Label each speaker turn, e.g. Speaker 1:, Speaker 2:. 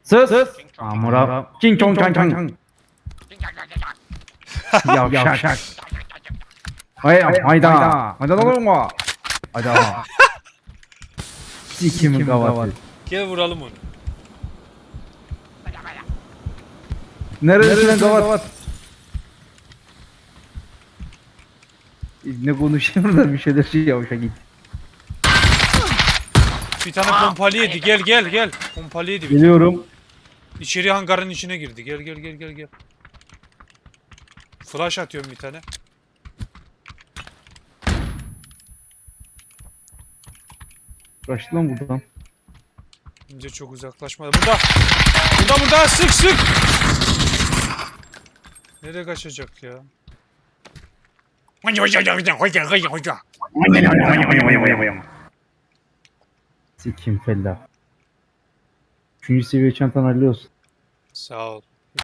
Speaker 1: Sus. Amura. King Kong Kang Kang. Yavşak. Hayda. Hayda olma. Hayda. Sikimin gavatı.
Speaker 2: Gel vuralım onu.
Speaker 1: Neresinden gavat? Ne konuşuyor da bir şeyler yavşak git.
Speaker 2: Bir tane pompalı yedi. Gel. Pompalı yedi.
Speaker 1: Geliyorum.
Speaker 2: İçeri hangarın içine girdi. Gel. Flash atıyorum bir tane.
Speaker 1: Kaçtı lan buradan.
Speaker 2: Bence çok uzaklaşmadı. Burada. Sık. Nereye kaçacak ya?
Speaker 1: Sikim fella. 3. seviye çantan hallolsun.
Speaker 2: Sağ ol.